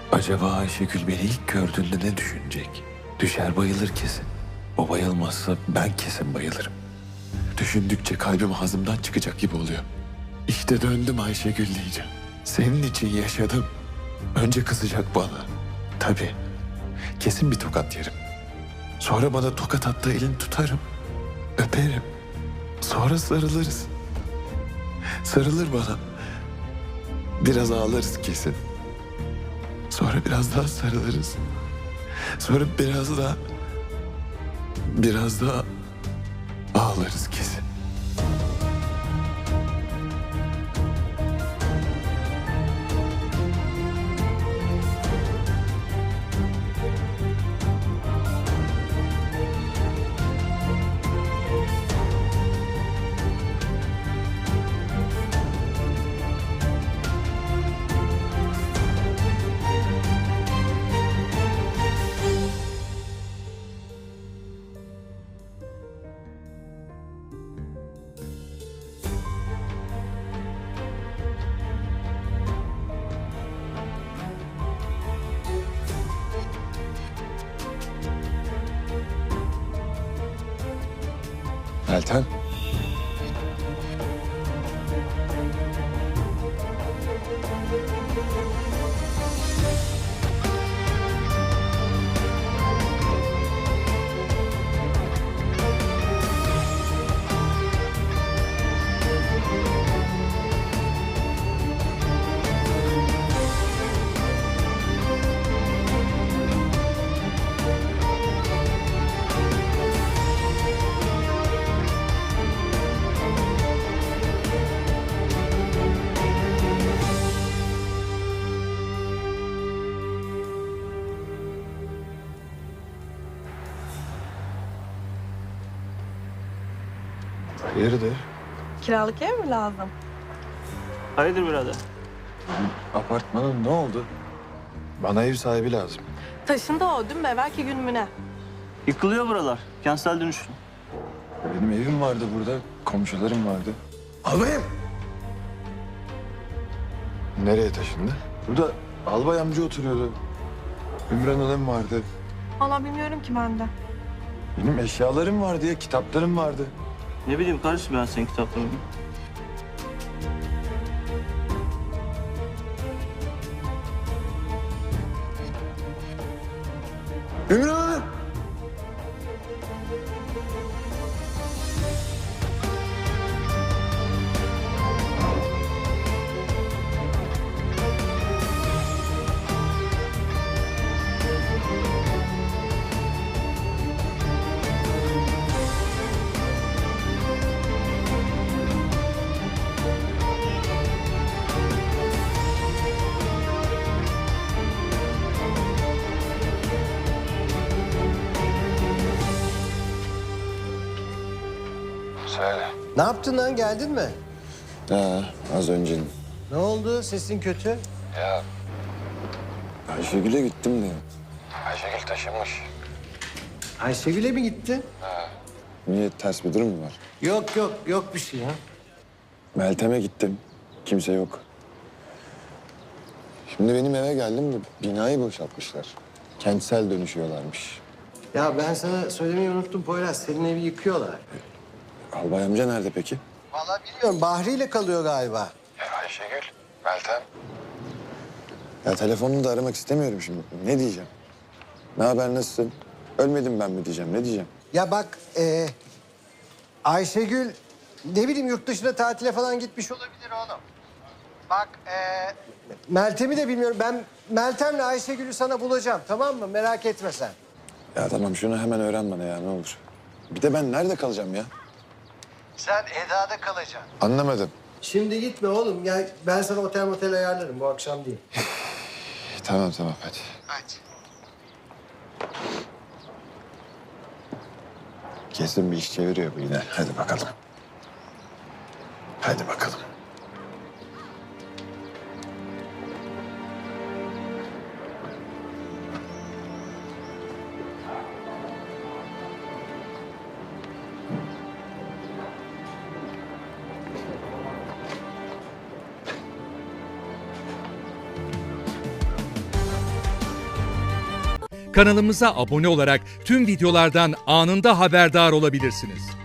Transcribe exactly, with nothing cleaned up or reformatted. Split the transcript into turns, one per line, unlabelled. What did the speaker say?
Acaba Ayşegül beni ilk gördüğünde ne düşünecek? Düşer bayılır kesin. O bayılmazsa ben kesin bayılırım. Düşündükçe kalbim ağzımdan çıkacak gibi oluyor. İşte döndüm Ayşegül diyeceğim. Senin için yaşadım. Önce kızacak bana. Tabii. Kesin bir tokat yerim. Sonra bana tokat attığı elini tutarım. Öperim. Sonra sarılırız. Sarılır bana. Biraz ağlarız kesin. Sonra biraz daha sarılırız. Sonra biraz daha... Biraz daha ağlarız kesin. Meltem. Hayırdır?
Kiralık ev mi lazım?
Hayırdır birader?
Apartmanın ne oldu? Bana ev sahibi lazım.
Taşındı o dün mü evvelki gün mü ne?
Yıkılıyor buralar. Kentsel dönüşüm.
Benim evim vardı burada, komşularım vardı. Albayım! Nereye taşındı? Burada albay amca oturuyordu. Ümran Hanım vardı.
Vallahi bilmiyorum ki ben de.
Benim eşyalarım vardı ya, kitaplarım vardı.
Ne bileyim kardeşim ben senin kitaplarını.
Ümran Hanım! Söyle.
Ne yaptın lan, geldin mi?
Ha, az önce.
Ne oldu, sesin kötü?
Ya Ayşegül'e gittim de. Ayşegül taşınmış.
Ayşegül'e mi gittin?
Niye, ters bir durum mu var?
Yok yok, yok bir şey ya.
Meltem'e gittim. Kimse yok. Şimdi benim eve geldim de binayı boşaltmışlar. Kentsel dönüşüyorlarmış.
Ya ben sana söylemeyi unuttum Poyraz, senin evi yıkıyorlar.
Albay amca nerede peki?
Vallahi bilmiyorum, Bahri ile kalıyor galiba.
Ya Ayşegül, Meltem. Ya telefonunu da aramak istemiyorum şimdi. Ne diyeceğim? Ne haber, nasılsın? Ölmedim ben mi diyeceğim, ne diyeceğim?
Ya bak, e, Ayşegül ne bileyim yurt dışına tatile falan gitmiş olabilir oğlum. Bak, e, Meltem'i de bilmiyorum. Ben Meltem'le Ayşegül'ü sana bulacağım, tamam mı? Merak etme sen.
Ya tamam, şunu hemen öğren bana ya, ne olur. Bir de ben nerede kalacağım ya?
Sen Eda'da kalacaksın.
Anlamadım.
Şimdi gitme oğlum. Ya ben sana otel motel ayarlarım bu akşam değil.
Tamam tamam, hadi.
Hadi.
Kesin bir iş çeviriyor bu yine. Hadi bakalım. Hadi bakalım.
kanalımıza abone olarak tüm videolardan anında haberdar olabilirsiniz.